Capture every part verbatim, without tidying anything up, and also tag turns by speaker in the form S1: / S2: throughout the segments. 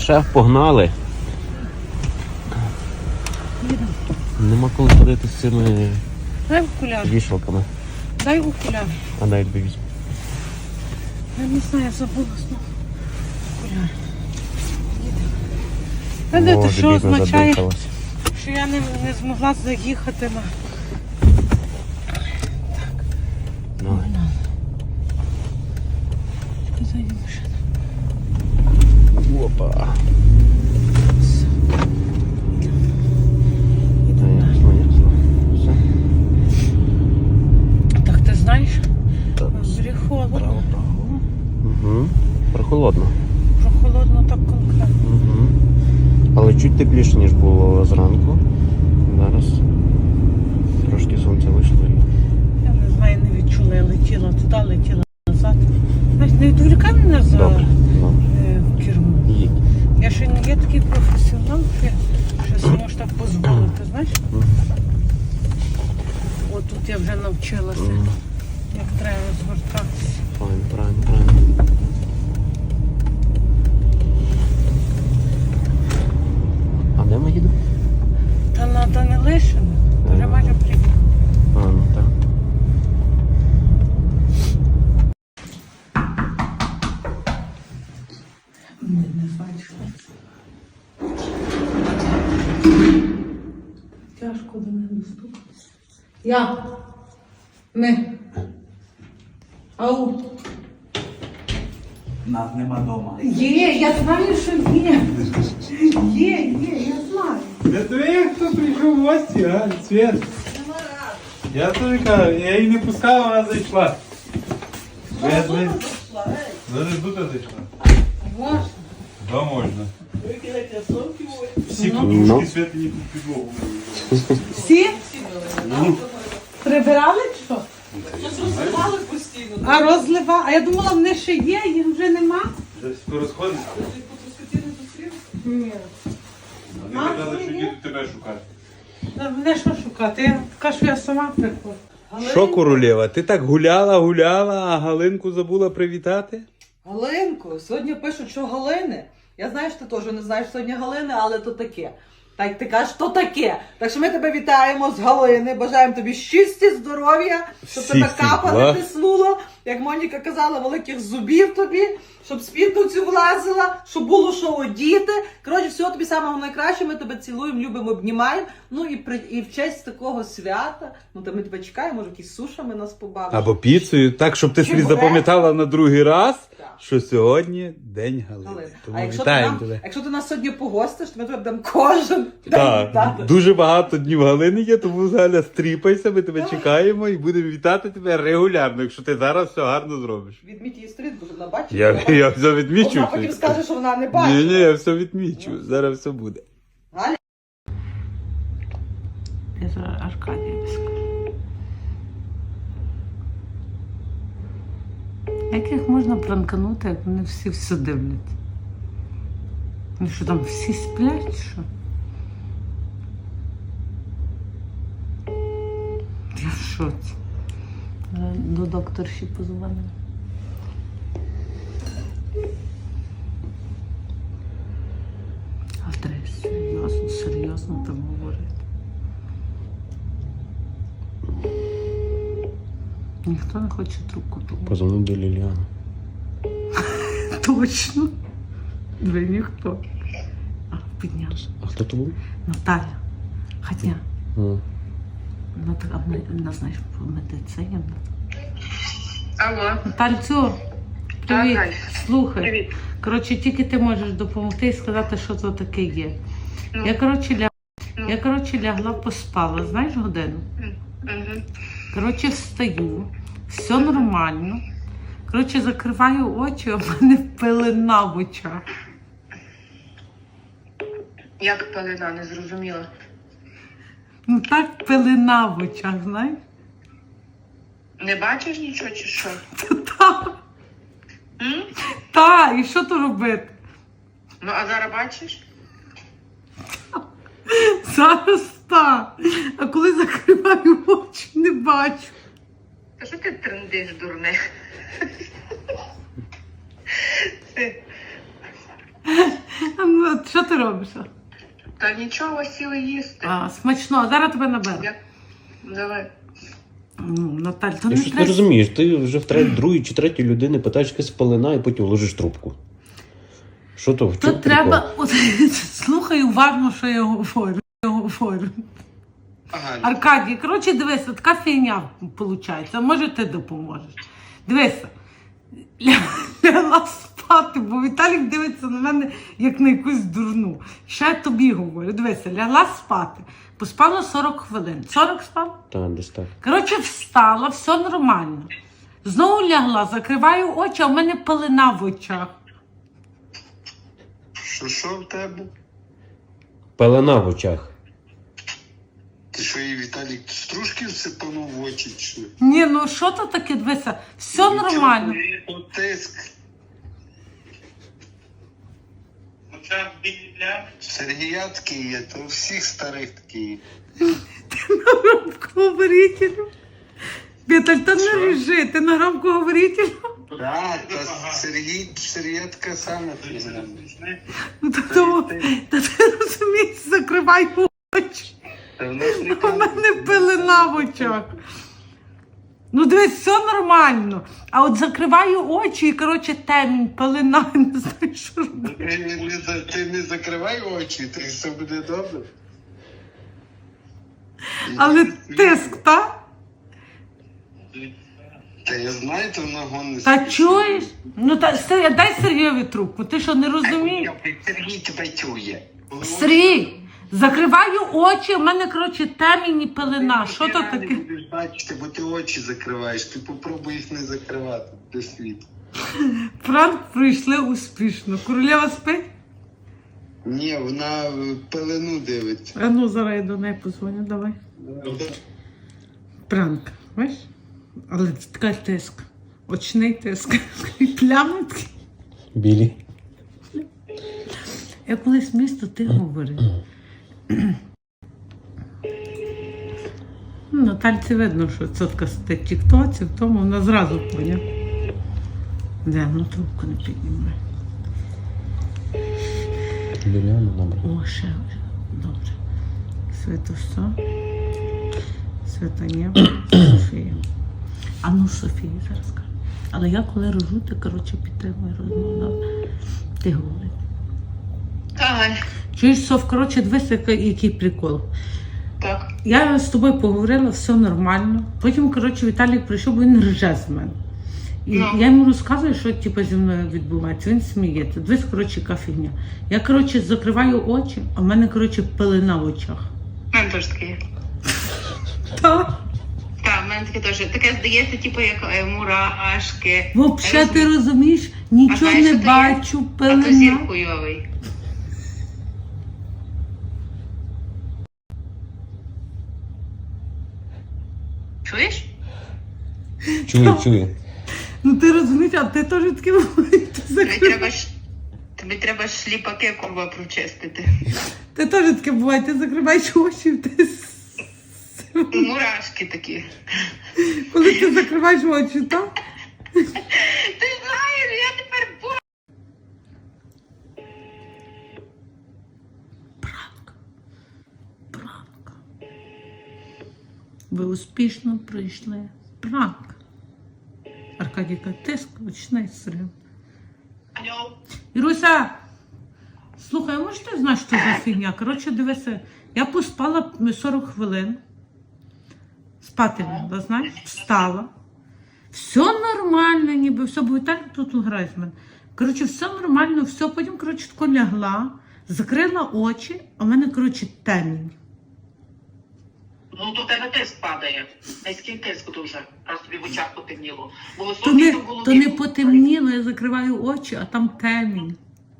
S1: Шеф, погнали. Нема коли ходити з цими
S2: Дай окуляр.
S1: вішалками.
S2: Дай окуляр.
S1: А дай тобі візьму.
S2: Я не знаю, я забула знову. Окуляр. Знаєте,
S1: Боже,
S2: що
S1: бідно
S2: означає,
S1: задихалась.
S2: що я не, не змогла заїхати на...
S1: Давай.
S2: Позаді машина.
S1: Опа. Ясно, ясно. Все.
S2: Так ти знаєш?
S1: Так.
S2: Зрі холодно.
S1: Право, право. Угу. Прохолодно.
S2: Прохолодно так конкретно.
S1: Угу. Але чуть тепліше, ніж було зранку. Зараз трошки сонце вийшло.
S2: Я не знаю, не відчула, я летіла туди, летіла назад. Знаєш, не відволікай мене за
S1: Добре, добре.
S2: е, кермо.
S1: Їдь.
S2: Я ще не є такий професіонал, що я ще собі можу так дозволити, знаєш?
S1: Мгм.
S2: От тут я вже навчилася,
S1: Мгм.
S2: як треба звертатися.
S1: Правильно, правильно, правильно. А де ми їдемо?
S2: Та на Данилишина, вже
S1: Ага.
S2: майже приїхала.
S1: А, ну так.
S2: Не, не знаю, що це. Тяжко до мене достукатися. Я. Ми. Ау.
S3: Нас нема дома.
S2: Є, я знаю, що є. Є, є, я знаю.
S3: Это я хто прийшов в гості, а? Свет. Я тобі кажу, я її не пускав, вона зайшла. Я з нею- Вона тут зайшла.
S2: Можна.
S3: Да, можна. Всі
S1: Ну.
S3: подушки Святі тут підлогу.
S2: Всі? Прибирали чи що?
S4: Розливали постійно.
S2: А розлива? А я думала, вони ще є, їх вже нема.
S3: Вже всі порозходиться.
S4: Скотини зустріли?
S2: Ні.
S3: Вони казали, що їдуть тебе шукати.
S2: Та мене що шукати? Я така, що я сама приходжу.
S3: Що, королева, ти так гуляла, гуляла, а Галинку забула привітати?
S4: Галинку, сьогодні пишуть, що Галини. Я знаю, що ти теж не знаєш сьогодні Галини, але то таке. Так ти кажеш, то таке. Так що ми тебе вітаємо з Галини, бажаємо тобі щастя, здоров'я, щоб тебе
S3: Всіх
S4: капа
S3: благ.
S4: не тиснуло, як Моніка казала, великих зубів тобі, щоб спідку цю влазила, щоб було що одіти. Коротше, всього тобі самого найкращого, ми тебе цілуємо, любимо, обнімаємо. Ну і, при, і в честь такого свята, ну то ми тебе чекаємо, може якісь сушами нас побавиш.
S3: Або піцею, так, щоб ти собі
S4: Чебурек.
S3: запам'ятала на другий раз,
S4: Так.
S3: що сьогодні День Галини.
S4: Галина.
S3: Тому
S4: А якщо ти,
S3: вітаємо
S4: нам,
S3: тебе.
S4: якщо ти нас сьогодні погостиш, то ми тебе будемо кожен день
S3: Так,
S4: вітати.
S3: дуже багато днів Галини є, тому Галя, стріпайся, ми тебе чекаємо і будемо вітати тебе регулярно, якщо ти зараз все гарно зробиш.
S4: Відміть її сторінку, щоб вона бачила.
S3: Я,
S4: Вона-
S3: я все відмічу.
S4: Вона потім скаже, що вона не бачила.
S3: Ні, ні, я все відмічу. Зараз все буде.
S4: Галя?
S2: Я зараз Аркадія скажу. Як їх можна пранканути, як вони всі все дивляться? Ну що там, всі сплять, чи що? Я в шоці. Е, До докторші позвонила. А треба серйозно, серйозно там говорити. Ніхто не хоче трубку ту.
S1: Позвонив до Ліліани.
S2: Точно. Ви ніхто. А, піднявся.
S1: А хто то був?
S2: Наталя. Хотя,
S1: Ну.
S2: вона така, вона, знаєш, по медицині.
S5: Алло.
S2: Натальцю, привіт.
S5: Галь.
S2: Слухай.
S5: Привіт.
S2: Коротше, тільки ти можеш допомогти і сказати, що це таке є.
S5: Ну.
S2: Я, коротше, ля...
S5: Ну.
S2: я, коротше, лягла, поспала, знаєш, годину?
S5: Угу.
S2: Коротше, встаю, все нормально. Коротше, закриваю очі, а в мене пелена в очах.
S5: Як пелена, не зрозуміла.
S2: Ну так пелена в очах, знаєш?
S5: Не бачиш нічого чи що?
S2: Так,
S5: М?
S2: так, і що то робити?
S5: Ну, а зараз бачиш?
S2: Зараз так. А коли закриваю очі, не бачу.
S5: Та що ти трендиш, дурне? Ти-
S2: А ну, що ти робиш?
S5: Та нічого, сіли їсти.
S2: А, смачно, зараз тебе наберу.
S5: Я- Давай.
S2: Ну, Наталь, то
S1: Ти
S2: не
S1: що ти
S2: треба.
S1: розумієш? Ти вже в третій, другій чи третій людини питаєш, яка спалена, і потім ложиш трубку. Що то? В
S2: То
S1: чому
S2: треба.
S1: прикол?
S2: От, слухай уважно, що я говорю. Я говорю.
S5: Ага.
S2: Аркадій, коротше, дивися, така фігня виходить. Може, ти допоможеш. Дивися, ля- лягла спати, бо Віталік дивиться на мене як на якусь дурну. Ще я тобі говорю. Дивися, лягла спати. Поспала сорок хвилин. сорок спала?
S1: Та, десь так.
S2: Коротше, встала, все нормально. Знову лягла, закриваю очі, а в мене пелена в очах.
S6: Що, що в тебе?
S1: Пелена в очах.
S6: Ти що, і Віталік стружки всипанув в очі? Чи що?
S2: Ні, ну що то таке, дивися, все нормально.
S6: Нічого, Тиск. Сергія такий є, то у всіх старих такий є.
S2: Громкоговорителю. Віталь, та не режи, ти на громкоговорителю.
S6: Так, та Сергій, Сергія така сама фігня.
S2: Ну, та, то, та ти розумієш, закривай очі.
S6: Та в нас
S2: У мене пелена в очах. Ну, дивись, все нормально. А от закриваю очі і, коротше, темінь, пелена, не знаю, що робити.
S6: Ти не, не, за- ти не закривай очі, то все буде добре.
S2: Але тиск, так?
S6: Та я знаю, то ногон не
S2: Та
S6: спішно.
S2: чуєш? Ну, та, Сергій, дай Сергійові трубку, ти що, не розумієш?
S6: Сергій тебе чує.
S2: Сергій, закриваю очі, в мене, коротше, темінь і пелена. Що то
S6: Ти
S2: таке?
S6: будеш бачити, бо ти очі закриваєш. Ти попробуй їх не закривати до світу.
S2: Пранк пройшли успішно. Королева спить?
S6: Ні, вона е, пелену дивиться.
S2: А ну, зараз я до неї позвоню, давай. Пранк, бачиш? Але це така тиск. Очний тиск. Плями такі.
S1: Білі.
S2: Я колись місто ти говорив. Ну, Натальці видно, що цотка сидить в тіктоці, в тому вона зразу поняв. Де, ну трубку не піднімає.
S1: Біля, ну добре.
S2: О, ще, добре. Свято все. Свята є. Софія. А ну Софії зараз кажу. Але я коли рожу, ти, коротше, підтримую розмову. Добре? Ти говори.
S5: Давай.
S2: Чуєш, Соф, коротше, дивись, який, який прикол.
S5: Так.
S2: Я з тобою поговорила, все нормально. Потім, коротше, Віталік прийшов, бо він рже з мене. І
S5: Ну.
S2: я йому розказую, що типу, зі мною відбувається. Він сміється. Дивись, коротше, яка фігня. Я, коротше, закриваю очі, а в мене, коротше, пелена в очах.
S5: У мене теж таке є.
S2: Так.
S5: Так, в мене таке теж. Таке здається, типу, як е, мурашки.
S2: Взагалі, ти
S5: Я
S2: розумієш, нічого
S5: знаєш,
S2: не
S5: що то є?
S2: бачу,
S5: А то зір
S2: пелена.
S5: хуйовий. Чуєш?
S1: Чую, чую.
S2: Ну ти розумієш, а ти теж таке буває. Ти,
S5: Тобі
S2: закрив...
S5: треба ж. Тобі треба ж шліпаки курва прочистити.
S2: ти теж таке буває, ти закриваєш очі, ти... с-
S5: Мурашки такі.
S2: коли ти закриваєш очі, так?
S5: Ти знаєш, я тепер бо.
S2: Пранк. Пранк. Ви успішно пройшли пранк. Аркадійка, тиск, очний стрим.
S5: Алло.
S2: Іруся, слухай, а може ти знаєш, що за фігня? Коротше, дивися, я поспала сорок хвилин. Спати лягла, знаєш, встала. Все нормально, ніби, все, бо Віталій тут грає з мене. Коротше, все нормально, все, потім, коротше, тако лягла, закрила очі, а в мене, коротше, темінь.
S7: Ну, то в тебе тиск падає. Низький тиск дуже, раз тобі в очах потемніло. Бо
S2: То
S7: високий,
S2: не,
S7: то в голові.
S2: то не потемніло, я закриваю очі, а там темінь.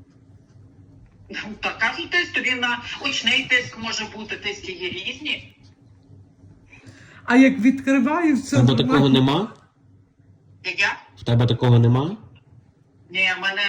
S7: Та кажуть, тиск, тобі на очний тиск може бути, тиски є різні.
S2: А як відкриваю, все
S1: В тебе такого
S2: нормально.
S1: нема?
S7: Як я?
S1: В тебе такого нема?
S7: Ні, в мене